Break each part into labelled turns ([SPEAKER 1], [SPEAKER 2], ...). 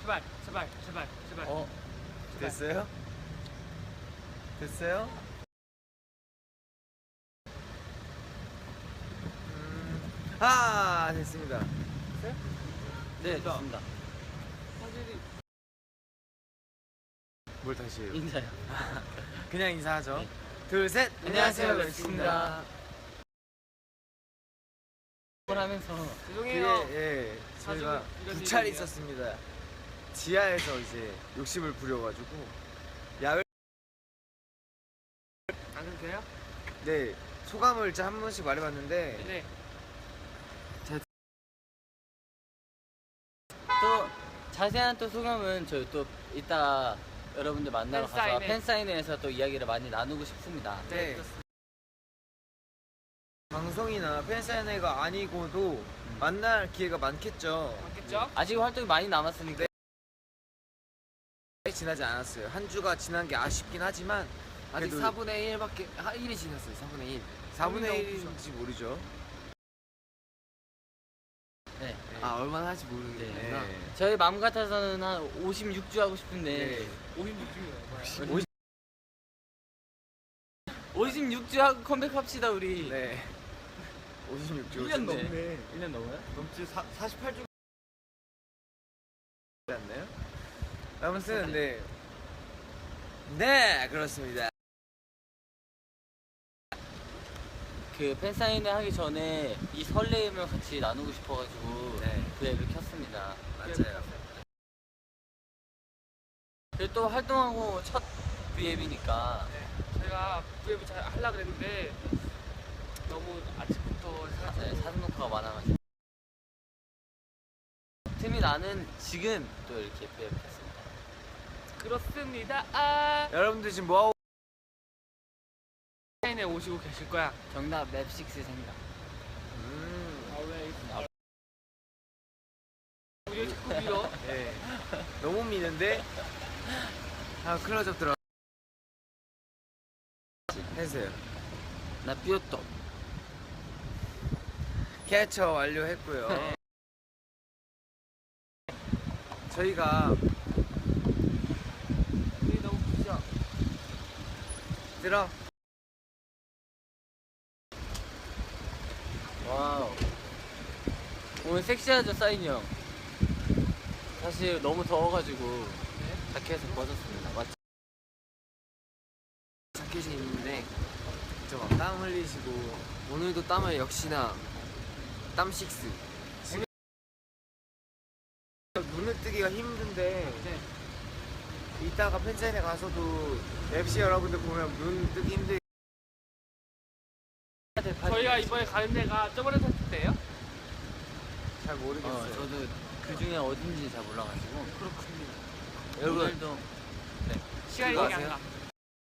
[SPEAKER 1] 제발.
[SPEAKER 2] 됐어요? 됐어요? 됐습니다.
[SPEAKER 1] 됐어요?
[SPEAKER 3] 네, 됐습니다.
[SPEAKER 1] 사실이
[SPEAKER 2] 뭘 다시 해요?
[SPEAKER 3] 인사요.
[SPEAKER 2] 그냥 인사하죠.
[SPEAKER 3] 네.
[SPEAKER 2] 둘, 셋.
[SPEAKER 3] 안녕하세요, 멜씨입니다. 뭘 하면서
[SPEAKER 1] 죄송해요.
[SPEAKER 2] 예, 저희가
[SPEAKER 1] 자주 이런
[SPEAKER 2] 두 차례
[SPEAKER 1] 일이에요.
[SPEAKER 2] 있었습니다. 지하에서 이제 욕심을 부려가지고 야외.
[SPEAKER 1] 안 해도 돼요?
[SPEAKER 2] 네, 소감을 진짜 한 번씩 말해봤는데
[SPEAKER 1] 네.
[SPEAKER 3] 또 자세한 또 소감은 저희 또 이따 여러분들 만나러 가서
[SPEAKER 1] 팬사인회.
[SPEAKER 3] 팬사인회에서 또 이야기를 많이 나누고 싶습니다.
[SPEAKER 2] 네. 방송이나 팬사인회가 아니고도 만날 기회가 많겠죠.
[SPEAKER 1] 맞겠죠?
[SPEAKER 3] 아직 활동이 많이 남았으니까.
[SPEAKER 2] 지나지 않았어요. 한 주가 지난 게 아쉽긴 하지만
[SPEAKER 4] 아직
[SPEAKER 2] 그래도
[SPEAKER 4] 4분의 1밖에 1이 지났어요. 4분의 1.
[SPEAKER 2] 4분의 1인지 모르죠.
[SPEAKER 3] 네.
[SPEAKER 4] 아 얼마나 할지 모르겠구나.
[SPEAKER 2] 네.
[SPEAKER 3] 저희 마음 같아서는 한 56주 하고 싶은데
[SPEAKER 2] 네.
[SPEAKER 1] 56중이에요.
[SPEAKER 3] 56주 하고 컴백합시다 우리.
[SPEAKER 2] 네. 56주.
[SPEAKER 3] 1년 넘네. 1년 넘어요?
[SPEAKER 2] 넘지 48주 않나요? 아무튼 네 그렇습니다.
[SPEAKER 3] 그 팬사인회 하기 전에 이 설레임을 같이 나누고 싶어가지고
[SPEAKER 2] 네.
[SPEAKER 3] 그 앱을 켰습니다.
[SPEAKER 2] 맞아요.
[SPEAKER 3] 그리고 또 활동하고 첫 V앱이니까
[SPEAKER 1] 제가 브이앱을 잘 하려고 그랬는데 너무 아침부터
[SPEAKER 3] 사진 녹화가 많아가지고 틈이 나는 지금 또 이렇게 V앱 켰습니다.
[SPEAKER 1] 그렇습니다.
[SPEAKER 2] 여러분들 지금 뭐하고
[SPEAKER 1] 사인에 오시고 계실 거야.
[SPEAKER 3] 정답 맵6 생각.
[SPEAKER 1] 우리 자꾸 밀어.
[SPEAKER 2] 네. 너무 미는데 클로즈업 들어 해주세요.
[SPEAKER 3] 나 삐었다.
[SPEAKER 2] 캐쳐 완료했고요.
[SPEAKER 3] 네.
[SPEAKER 2] 저희가
[SPEAKER 1] 우리 너무 부셔.
[SPEAKER 2] 들어
[SPEAKER 3] 와우. 오늘 섹시하죠 사인이 형. 사실 너무 더워가지고 자켓을 벗었습니다. 맞죠?
[SPEAKER 4] 자켓이 있는데
[SPEAKER 2] 땀 흘리시고
[SPEAKER 4] 오늘도 땀을 역시나 땀 식스.
[SPEAKER 2] 눈을 뜨기가 힘든데
[SPEAKER 1] 네.
[SPEAKER 2] 이따가 팬사인회 가서도 MC 여러분들 보면 눈 뜨기 힘들.
[SPEAKER 1] 저희가 이번에 가는 데가 저번에 샀을 때예요?
[SPEAKER 2] 잘 모르겠어요.
[SPEAKER 3] 저도 그 중에 어딘지 잘 몰라가지고.
[SPEAKER 1] 그렇군요.
[SPEAKER 3] 여러분 오늘도
[SPEAKER 1] 시간이
[SPEAKER 4] 그거
[SPEAKER 1] 되게 안
[SPEAKER 4] 아세요?
[SPEAKER 1] 가.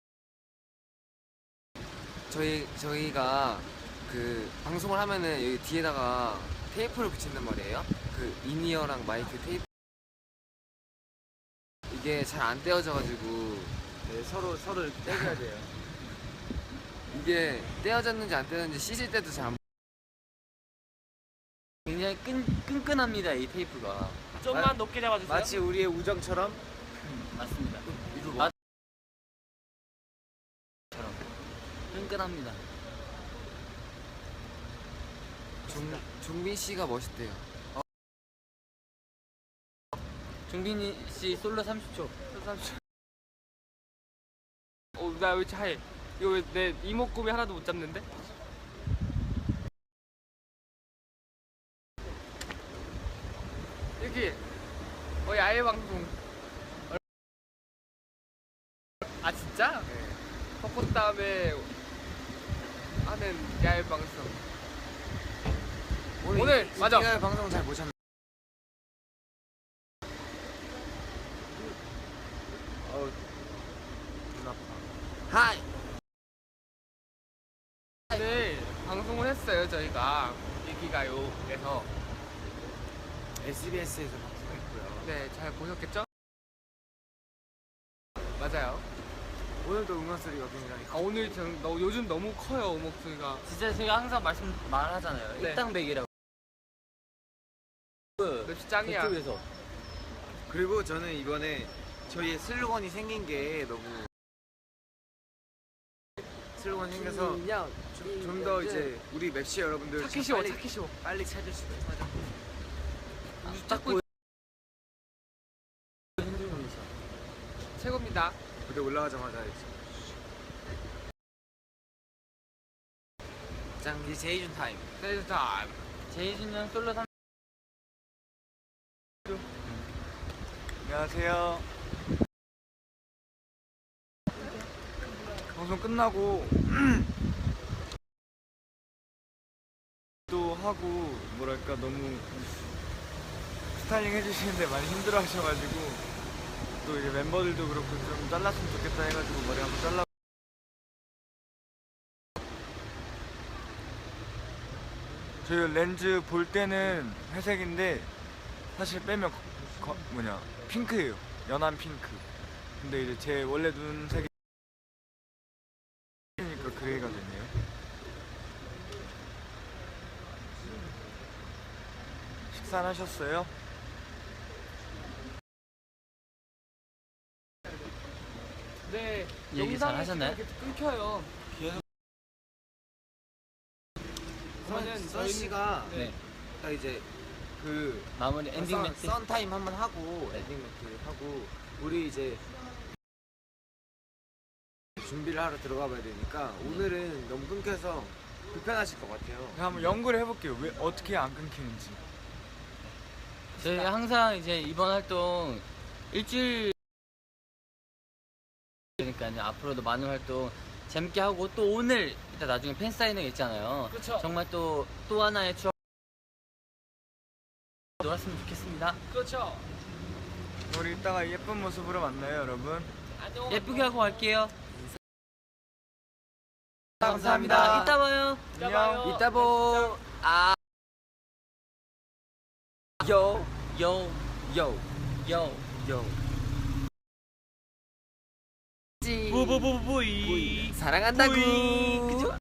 [SPEAKER 4] 저희가 그 방송을 하면은 여기 뒤에다가 테이프를 붙인단 말이에요. 그 인이어랑 마이크 테이프. 이게 잘 안 떼어져가지고
[SPEAKER 2] 네, 서로 이렇게 떼줘야 돼요.
[SPEAKER 4] 이게 떼어졌는지 안 떼어졌는지 씻을 때도 잘 안.
[SPEAKER 3] 굉장히 끈끈합니다 이 테이프가.
[SPEAKER 1] 좀만 높게 잡아주세요.
[SPEAKER 2] 마치 우리의 우정처럼.
[SPEAKER 3] 맞습니다.
[SPEAKER 4] 이거
[SPEAKER 3] 뭐? 처럼 끈끈합니다.
[SPEAKER 4] 종빈 씨가 멋있대요.
[SPEAKER 3] 종빈이 씨 솔로 30초.
[SPEAKER 1] 나 왜 이렇게 하얘? 이거 왜 내 이목구비 하나도 못 잡는데? 여기 야외 방송. 아 진짜?
[SPEAKER 2] 네.
[SPEAKER 1] 벚꽃 다음에 하는 야외 방송. 오늘 맞아.
[SPEAKER 2] 이날 방송 잘 보셨나요? 눈 아파.
[SPEAKER 4] 하이.
[SPEAKER 1] 오늘 방송을 했어요 저희가 일기가요에서.
[SPEAKER 2] SBS에서 방송했고요.
[SPEAKER 1] 네, 잘 보셨겠죠? 맞아요.
[SPEAKER 2] 오늘도 응원 소리가 굉장히
[SPEAKER 1] 오늘 요즘 너무 커요 목소리가.
[SPEAKER 3] 진짜 제가 항상 말하잖아요.
[SPEAKER 1] 네.
[SPEAKER 3] 일당백이라고.
[SPEAKER 1] 맵시 짱이야.
[SPEAKER 3] 그쪽에서
[SPEAKER 2] 그리고 저는 이번에 저희의 슬로건이 생긴 게 너무 슬로건 생겨서 좀 더 이제 우리 맵시 여러분들
[SPEAKER 1] 타키시오 타키시오
[SPEAKER 2] 빨리 찾을 수 있어요.
[SPEAKER 3] 딱 보여.
[SPEAKER 1] 최고입니다.
[SPEAKER 2] 무대 올라가자마자 이제
[SPEAKER 4] 짱 이제 제이준 타임.
[SPEAKER 1] 세이즈 타임.
[SPEAKER 3] 제이준 형 솔로 3.
[SPEAKER 5] 안녕하세요. 방송 끝나고 또 하고 뭐랄까 너무 스타일링 해주시는데 많이 힘들어하셔가지고 또 이제 멤버들도 그렇고 좀 잘랐으면 좋겠다 해가지고 머리 한번 잘라. 저희 렌즈 볼 때는 회색인데 사실 빼면 핑크예요. 연한 핑크. 근데 이제 제 원래 눈색이 니까 그레이가 됐네요. 식사는 하셨어요?
[SPEAKER 1] 네.
[SPEAKER 3] 얘기 잘
[SPEAKER 1] 영상이
[SPEAKER 3] 하셨나요?
[SPEAKER 1] 이렇게 끊겨요. 그러면은
[SPEAKER 2] 선 씨가
[SPEAKER 3] 네.
[SPEAKER 2] 딱 이제 그
[SPEAKER 3] 마무리 엔딩 멘트.
[SPEAKER 2] 선 타임 한번 하고 엔딩 멘트 하고 우리 이제 준비를 하러 들어가 봐야 되니까 오늘은 너무 끊겨서 불편하실 것 같아요.
[SPEAKER 5] 제가 한번 연구를 해볼게요. 왜 어떻게 안 끊기는지.
[SPEAKER 3] 저희 항상 이제 이번 활동 일주일 그러니까요. 앞으로도 많은 활동 재밌게 하고 또 오늘 이따 나중에 팬 사인회 있잖아요.
[SPEAKER 1] 그렇죠.
[SPEAKER 3] 정말 또 하나의 추억 놀았으면 좋겠습니다.
[SPEAKER 1] 그렇죠.
[SPEAKER 5] 우리 이따가 예쁜 모습으로 만나요, 여러분.
[SPEAKER 1] 안녕.
[SPEAKER 3] 예쁘게 하고 갈게요.
[SPEAKER 5] 감사합니다.
[SPEAKER 3] 이따 봐요.
[SPEAKER 5] 안녕.
[SPEAKER 3] 이따 보. 아. 요. 요. 요. 요.
[SPEAKER 4] 요.
[SPEAKER 3] 부부부부이.
[SPEAKER 4] 사랑한다구.
[SPEAKER 3] 그죠?